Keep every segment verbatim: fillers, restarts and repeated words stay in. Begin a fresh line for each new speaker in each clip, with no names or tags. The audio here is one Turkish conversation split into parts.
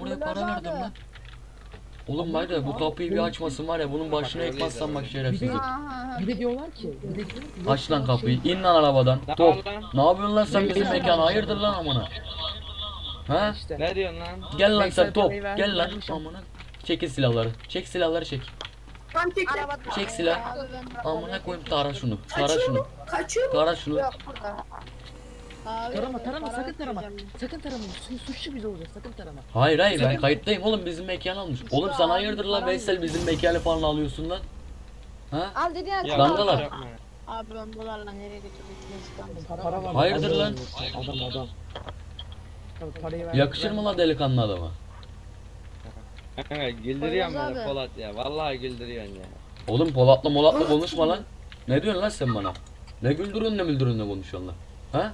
buraya para verdim lan. Oğlum var ya bu kapıyı bir açmasın var ya bunun başına ekmezsem bak şerefsiz.
Bir de diyorlar ki, bir de diyorlar ki
Aç lan
yoksa
kapıyı.
şey-
İn lan arabadan.
Ne
Top.
var lan?
Ne yapıyorsun lan sen bizim
Veysel
mekana?
varmış
Hayırdır lan
arabada.
amına? He?
İşte.
Ne diyorsun lan?
Gel lan
Veysel
sen top.
parayı verdi,
Gel lan
vermiş
amına. Çekil silahları. Çek silahları çek.
Tam çektim.
Çek silah. Amına koyayım tara şunu. Tara şunu.
Kaçıyor mu?
Tara şunu.
Yok burada. Abi,
Tarama tarama
para
sakın tarama.
vereceğim.
Sakın tarama. Su, suçlu biz olacağız. Sakın tarama.
Hayır hayır ben kayıttayım oğlum bizim mekan almış. Oğlum sen hayırdır lan Veysel bizim mekanı falan alıyorsun lan. Ha?
Al dedi ya.
Ya,
Dangalar.
yapma.
Abi ben dolarla nereye götürdüm?
Para var.
Hayırdır lan?
Adam adam. Tabii parayı ver.
Yakışır mı lan delikanlı adama?
Kanka güldürüyorsun
Poyraz
beni
abi.
Polat ya. Vallahi güldürüyorsun ya.
Oğlum Polat'la Molat'la konuşma lan. Ne diyorsun lan sen bana? Ne güldürün ne müldürün ne konuşuyorsun lan? Ha?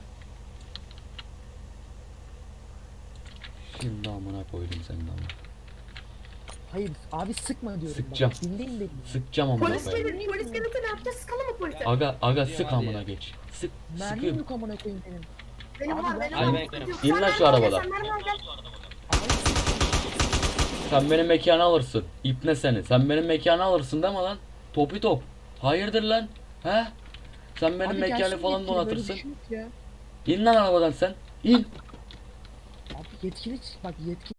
Şimdi amına koydum senin amına.
Hayır abi sıkma diyorum.
Sıkacağım.
Bak, dinleyin beni.
Sıkacağım amına
Polis
koyayım.
gelir, polis gelirse ne yapacağız? Sıkalım mı polise?
Aga aga sık
hadi.
amına geç. Sık
Mermim
sıkıyorum.
yok amına koyayım benim.
Benim
Abi
var,
ben-
benim
Ay,
var.
ben-
Sıkıntı yok.
İn
Sen
lan şu
nereden
arabadan.
alacaksın, nereden alacaksın?
Sen benim mekanı alırsın. İpne seni. Sen benim mekanı alırsın değil mi lan? Topi top. Hayırdır lan? He? Sen benim
Abi
mekanı
gelsin
falan
yetkili, böyle
donatırsın.
bir şey yok ya.
İn lan arabadan sen. İn.
Abi yetkili bak yetkili